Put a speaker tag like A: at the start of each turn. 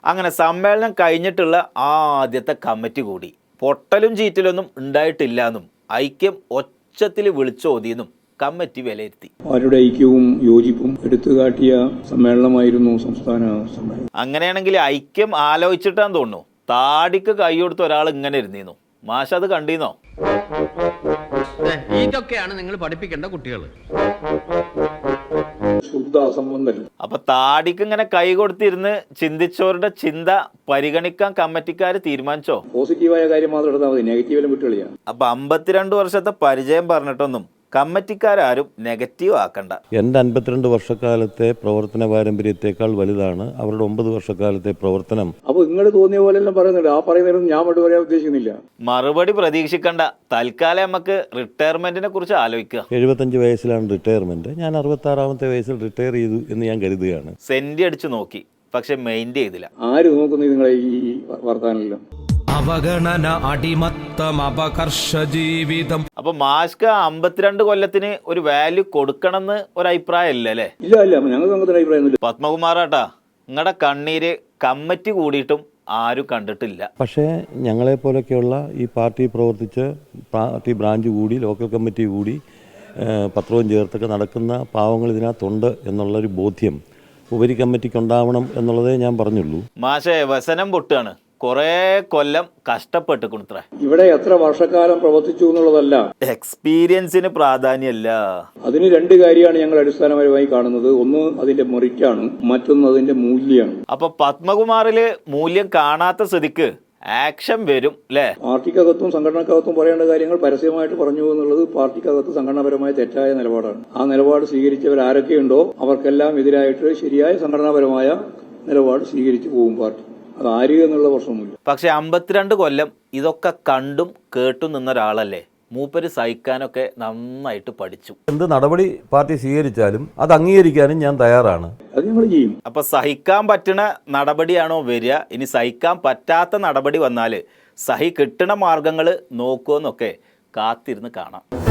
A: അങ്ങനെ സമ്മേളനം കഴിഞ്ഞിട്ടുള്ള ആദ്യത്തെ കമ്മിറ്റി കൂടി പൊട്ടലും ചീറ്റലൊന്നും ഉണ്ടായിട്ടില്ലെന്നും ഐക്യം ഒച്ചത്തിൽ വിളിച്ചോതിയെന്നും കമ്മിറ്റി വിലയിരുത്തി.
B: അവരുടെ ഐക്യവും യോജിപ്പും എടുത്തുകാട്ടിയ സമ്മേളനമായിരുന്നു സംസ്ഥാന സമ്മേളനം.
A: അങ്ങനെയാണെങ്കിൽ ഐക്യം ആലോചിച്ചിട്ടാന്ന് തോന്നുന്നു താടിക്ക് കൈ കൊടുത്ത ഒരാൾ ഇങ്ങനെ ഇരുന്നീന്നു. മാഷ അത് കണ്ടീന്നോ?
C: ഇതൊക്കെയാണ് നിങ്ങൾ പഠിപ്പിക്കേണ്ട കുട്ടികൾ.
A: അപ്പൊ താടിക്ക് ഇങ്ങനെ കൈ കൊടുത്തിരുന്ന് ചിന്തിച്ചവരുടെ ചിന്ത പരിഗണിക്കാൻ കമ്മിറ്റിക്കാര് തീരുമാനിച്ചോ?
B: പോസിറ്റീവായ കാര്യം മാത്രം എടുത്താൽ മതി, നെഗറ്റീവിലും വിട്ടുകളിയാണ്.
A: അപ്പൊ 52 വർഷത്തെ പരിചയം പറഞ്ഞിട്ടൊന്നും കമ്മിറ്റിക്കാരും നെഗറ്റീവ് ആക്കണ്ട.
D: എൻ്റെ 52 വർഷക്കാലത്തെ പ്രവർത്തന പാരമ്പര്യത്തെക്കാൾ വലുതാണ് അവരുടെ 9 വർഷക്കാലത്തെ പ്രവർത്തനം.
B: അപ്പൊ നിങ്ങൾ തോന്നിയ പോലെല്ലാം പറയുന്നുണ്ട്. ആ പറയുന്നതും ഞാൻ മറുപടി പറയാൻ ഉദ്ദേശിക്കുന്നില്ല.
A: മറുപടി പ്രതീക്ഷിക്കണ്ട. തൽക്കാലം നമുക്ക് റിട്ടയർമെന്റിനെ കുറിച്ച് ആലോചിക്കുക.
D: 75 വയസ്സിലാണ് റിട്ടയർമെന്റ്. ഞാൻ 66-ാമത്തെ വയസ്സിൽ റിട്ടയർ ചെയ്തു എന്ന് ഞാൻ കരുതുകയാണ്.
A: സെന്റി അടിച്ചു നോക്കി, പക്ഷെ മെയിൻറ്റ് ചെയ്തില്ല.
B: ആര് നോക്കുന്നു നിങ്ങളെ ഈ വർത്താനെല്ലാം?
E: അവഗണന, അടിമത്തം, അപകർഷ ജീവിതം.
A: അപ്പൊ മാസ്ക് 52 കൊല്ലത്തിന് ഒരു വാല്യൂ കൊടുക്കണമെന്ന് ഒരു അഭിപ്രായം ഇല്ല അല്ലേ?
B: ഇല്ല, ഞങ്ങൾക്ക് അങ്ങനത്തെ അഭിപ്രായം.
A: പത്മകുമാറാട്ടാ, നിങ്ങളുടെ കണ്ണീര് കമ്മിറ്റി കൂടിയിട്ടും ആരും കണ്ടിട്ടില്ല.
D: പക്ഷേ ഞങ്ങളെപ്പോലൊക്കെയുള്ള ഈ പാർട്ടി പ്രവർത്തിച്ച് പാർട്ടി ബ്രാഞ്ച് കൂടി ലോക്കൽ കമ്മിറ്റി കൂടി പത്രവും ചേർത്തൊക്കെ നടക്കുന്ന പാവങ്ങൾ ഇതിനകത്തുണ്ട് എന്നുള്ളൊരു ബോധ്യം ഉപരി കമ്മിറ്റിക്ക് ഉണ്ടാവണം എന്നുള്ളതേ ഞാൻ പറഞ്ഞുള്ളൂ.
A: മാഷേ, വ്യസനം പൊട്ടാണ്. കൊറേ കൊല്ലം കഷ്ടപ്പെട്ട് കൊടുത്ര.
B: ഇവിടെ എത്ര വർഷക്കാലം പ്രവർത്തിച്ചു എന്നുള്ളതല്ല,
A: എക്സ്പീരിയൻസിന് പ്രാധാന്യമല്ല.
B: അതിന് രണ്ട് കാര്യമാണ് ഞങ്ങൾ അടിസ്ഥാനപരമായി കാണുന്നത്. ഒന്ന് അതിന്റെ മെറിറ്റാണ്, മറ്റൊന്ന് അതിന്റെ മൂല്യമാണ്.
A: അപ്പൊ പത്മകുമാറില് മൂല്യം കാണാത്ത സ്ഥിതിക്ക് ആക്ഷൻ വരും അല്ലേ?
B: പാർട്ടിക്കകത്തും സംഘടനക്കകത്തും പറയേണ്ട കാര്യങ്ങൾ പരസ്യമായിട്ട് പറഞ്ഞു എന്നുള്ളത് പാർട്ടിക്കകത്ത് സംഘടനാപരമായ തെറ്റായ നിലപാടാണ്. ആ നിലപാട് സ്വീകരിച്ചവർ ആരൊക്കെയുണ്ടോ അവർക്കെല്ലാം എതിരായിട്ട് ശരിയായ സംഘടനാപരമായ നിലപാട് സ്വീകരിച്ചു പോകും പാർട്ടി. അത് ആര് എന്നുള്ള പ്രശ്നമൊന്നുമില്ല.
A: പക്ഷെ 52 കൊല്ലം ഇതൊക്കെ കണ്ടും കേട്ടും നിന്ന ഒരാളല്ലേ. മൂപ്പര് സഹിക്കാനൊക്കെ നന്നായിട്ട് പഠിച്ചു.
D: എന്ത് നടപടി പാർട്ടി സ്വീകരിച്ചാലും അത് അംഗീകരിക്കാനും ഞാൻ തയ്യാറാണ്.
B: അത് ഞങ്ങൾ ചെയ്യും.
A: അപ്പൊ സഹിക്കാൻ പറ്റുന്ന നടപടിയാണോ വരിക? ഇനി സഹിക്കാൻ പറ്റാത്ത നടപടി വന്നാല് സഹി കിട്ടണ മാർഗങ്ങൾ നോക്കുമെന്നൊക്കെ കാത്തിരുന്ന് കാണാം.